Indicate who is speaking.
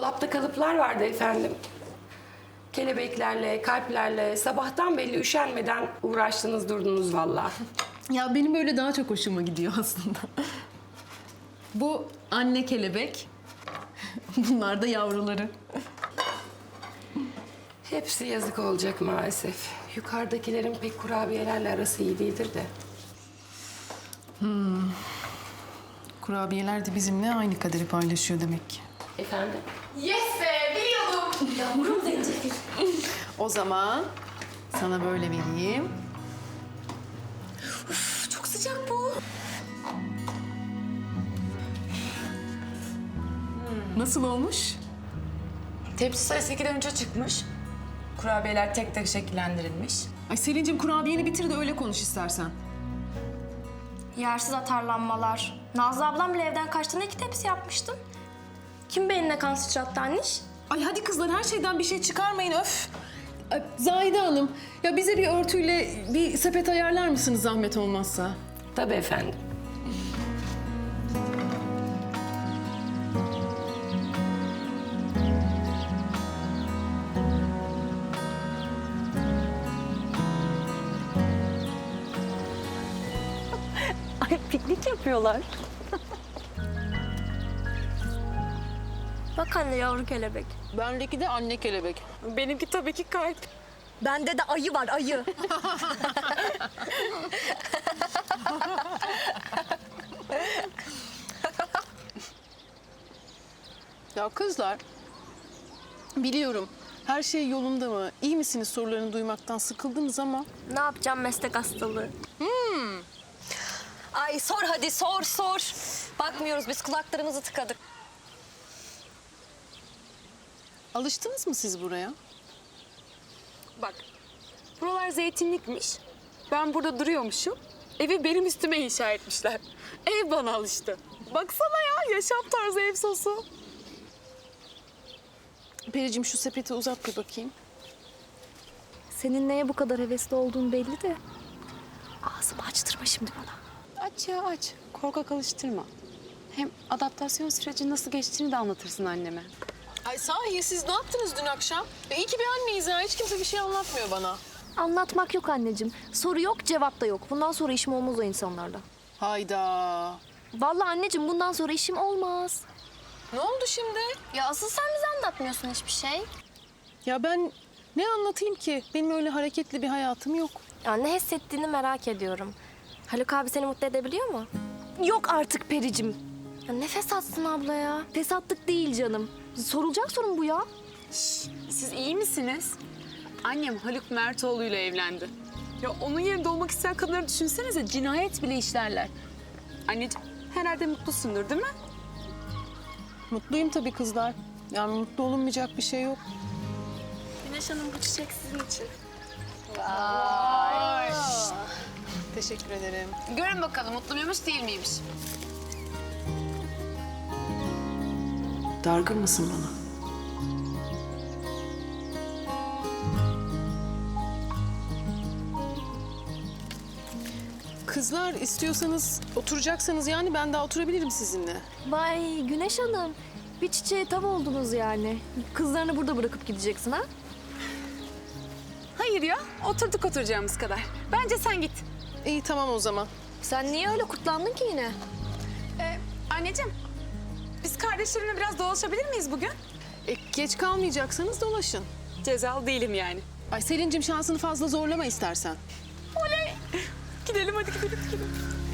Speaker 1: Dolapta kalıplar vardı efendim. Kelebeklerle, kalplerle sabahtan belli üşenmeden uğraştınız durdunuz vallahi.
Speaker 2: Ya benim böyle daha çok hoşuma gidiyor aslında. Bu anne kelebek. Bunlar da yavruları.
Speaker 1: Hepsi yazık olacak maalesef. Yukarıdakilerin pek kurabiyelerle arası iyi değildir de.
Speaker 2: Kurabiyeler de bizimle aynı kaderi paylaşıyor demek ki.
Speaker 1: Efendim?
Speaker 3: Yes be, biliyordum.
Speaker 1: Yavrum zencefil.
Speaker 2: O zaman sana böyle vereyim.
Speaker 3: Çok sıcak bu.
Speaker 2: Nasıl olmuş?
Speaker 3: Tepsi sayısı 2'den 3'e çıkmış. Kurabiyeler tek tek şekillendirilmiş.
Speaker 2: Ay Selin'cim kurabiyeni bitir de öyle konuş istersen.
Speaker 4: Yersiz atarlanmalar. Nazlı ablam bile evden kaçtığında 2 tepsi yapmıştım. Kim beynine kan sıçrattı anniş?
Speaker 2: Ay hadi kızlar her şeyden bir şey çıkarmayın öf. Ay, Zahide Hanım ya bize bir örtüyle bir sepet ayarlar mısınız zahmet olmazsa?
Speaker 1: Tabii efendim.
Speaker 5: Ay piknik yapıyorlar.
Speaker 4: Bak anne yavru kelebek.
Speaker 2: Bendeki de anne kelebek.
Speaker 3: Benimki tabii ki kalp.
Speaker 5: Bende de ayı var ayı.
Speaker 2: Ya kızlar biliyorum her şey yolunda mı? İyi misiniz sorularını duymaktan sıkıldınız ama.
Speaker 4: Ne yapacağım meslek hastalığı?
Speaker 5: Ay sor hadi sor. Bakmıyoruz biz kulaklarımızı tıkadık.
Speaker 2: Alıştınız mı siz buraya?
Speaker 6: Bak, buralar zeytinlikmiş. Ben burada duruyormuşum. Evi benim üstüme inşa etmişler. Ev bana alıştı. Baksana ya, yaşam tarzı ev sosu.
Speaker 2: Pericim şu sepeti uzat bir bakayım.
Speaker 5: Senin neye bu kadar hevesli olduğun belli de. Ağzımı açtırma şimdi bana.
Speaker 6: Aç ya aç. Korkak alıştırma. Hem adaptasyon süreci nasıl geçtiğini de anlatırsın anneme.
Speaker 2: Ay sahi siz ne yaptınız dün akşam? İyi ki bir anneyiz ha. Hiç kimse bir şey anlatmıyor bana.
Speaker 5: Anlatmak yok anneciğim. Soru yok, cevap da yok. Bundan sonra işim olmaz o insanlarla.
Speaker 2: Hayda.
Speaker 5: Vallahi anneciğim bundan sonra işim olmaz.
Speaker 2: Ne oldu şimdi?
Speaker 4: Ya asıl sen bize anlatmıyorsun hiçbir şey.
Speaker 2: Ya ben ne anlatayım ki? Benim öyle hareketli bir hayatım yok.
Speaker 4: Ya ne hissettiğini merak ediyorum. Haluk abi seni mutlu edebiliyor mu?
Speaker 5: Yok artık Pericim.
Speaker 4: Ya ne fesatsın abla ya.
Speaker 5: Fesatlık değil canım. Sorulacak sorun bu ya.
Speaker 6: Siz iyi misiniz? Annem Haluk Mertoğlu ile evlendi. Ya onun yerinde olmak isteyen kadınları düşünsenize, cinayet bile işlerler. Anneciğim, herhalde mutlusundur değil mi?
Speaker 2: Mutluyum tabii kızlar. Yani mutlu olunmayacak bir şey yok.
Speaker 4: Güneş Hanım bu çiçek sizin için.
Speaker 2: Teşekkür ederim.
Speaker 6: Görün bakalım mutlu muymuş değil miymiş?
Speaker 1: Dargın mısın bana?
Speaker 2: Kızlar istiyorsanız oturacaksanız yani ben daha oturabilirim sizinle.
Speaker 5: Vay Güneş Hanım. Bir çiçeğe tav oldunuz yani. Kızlarını burada bırakıp gideceksin ha?
Speaker 6: Hayır ya, oturduk oturacağımız kadar. Bence sen git.
Speaker 2: İyi tamam o zaman.
Speaker 5: Sen niye öyle kutlandın ki yine?
Speaker 6: Anneciğim, biz kardeşlerimle biraz dolaşabilir miyiz bugün?
Speaker 2: Geç kalmayacaksanız dolaşın.
Speaker 6: Cezalı değilim yani.
Speaker 2: Ay Selin'cim şansını fazla zorlama istersen.
Speaker 6: Gidelim hadi gidelim.